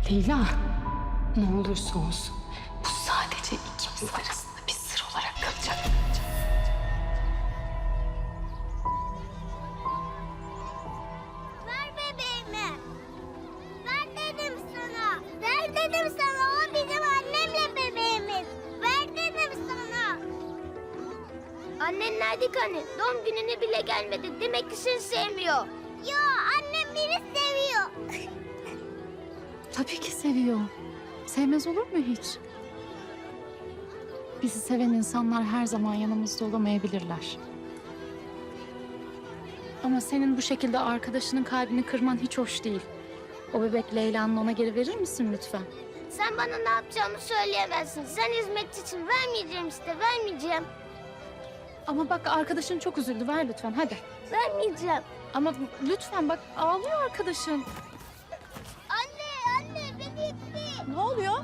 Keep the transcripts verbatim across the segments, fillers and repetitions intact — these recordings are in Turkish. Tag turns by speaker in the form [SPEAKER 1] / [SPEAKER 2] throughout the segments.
[SPEAKER 1] Leyla, ne olursa olsun bu sadece ikimiz arasında bir sır olarak kalacak.
[SPEAKER 2] Ver bebeğimi. Ver dedim sana. Ver dedim sana. O bizim annemle bebeğimiz. Ver dedim sana. Annen nerede ki anne? Doğum gününe bile gelmedi. Demek ki seni sevmiyor. Yo, annem beni seviyor.
[SPEAKER 1] Tabii ki seviyor. Sevmez olur mu hiç? Bizi seven insanlar her zaman yanımızda olamayabilirler. Ama senin bu şekilde arkadaşının kalbini kırman hiç hoş değil. O bebek Leyla'nın ona geri verir misin lütfen?
[SPEAKER 2] Sen bana ne yapacağımı söyleyemezsin. Sen hizmetçi için vermeyeceğim işte, vermeyeceğim.
[SPEAKER 1] Ama bak arkadaşın çok üzüldü. Ver lütfen hadi.
[SPEAKER 2] Vermeyeceğim.
[SPEAKER 1] Ama lütfen bak ağlıyor arkadaşın.
[SPEAKER 2] Anne, anne beni itti.
[SPEAKER 3] Ne oluyor?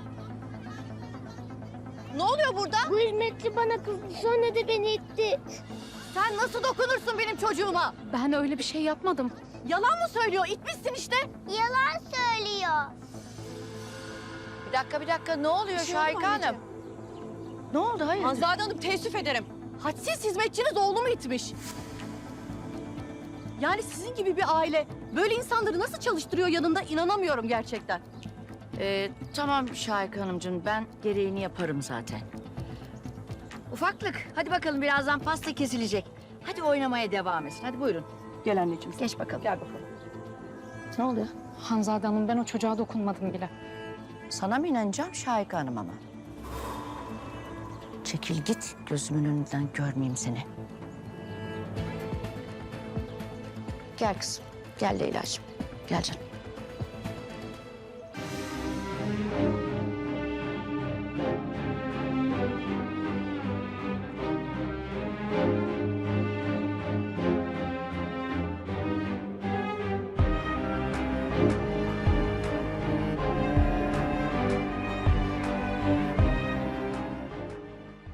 [SPEAKER 3] Ne oluyor burada?
[SPEAKER 2] Bu hizmetçi bana kızdı, sonra da beni itti.
[SPEAKER 3] Sen nasıl dokunursun benim çocuğuma?
[SPEAKER 1] Ben öyle bir şey yapmadım.
[SPEAKER 3] Yalan mı söylüyor? İtmişsin işte.
[SPEAKER 2] Yalan söylüyor.
[SPEAKER 3] Bir dakika bir dakika ne oluyor
[SPEAKER 1] Bir şey oldu mu
[SPEAKER 3] Şahika Hanım?
[SPEAKER 1] anneciğim?
[SPEAKER 3] Ne oldu hayır? Hanzade Hanım teessüf ederim. Hadsiz hizmetçiniz oğlumu itmiş. Yani sizin gibi bir aile böyle insanları nasıl çalıştırıyor yanında inanamıyorum gerçekten.
[SPEAKER 4] Ee, tamam Şahika Hanımcığım, ben gereğini yaparım zaten. Ufaklık, hadi bakalım birazdan pasta kesilecek. Hadi oynamaya devam etsin. Hadi buyurun.
[SPEAKER 3] Gel anneciğim.
[SPEAKER 4] Geç bakalım.
[SPEAKER 3] Gel bakalım.
[SPEAKER 4] Ne oluyor?
[SPEAKER 1] Hanzade Hanım ben o çocuğa dokunmadım bile.
[SPEAKER 4] Sana mı inanacağım Şahika Hanım ama? Çekil git, gözümün önünden görmeyeyim seni. Gel kızım, gel Leyla'cığım. Gel canım.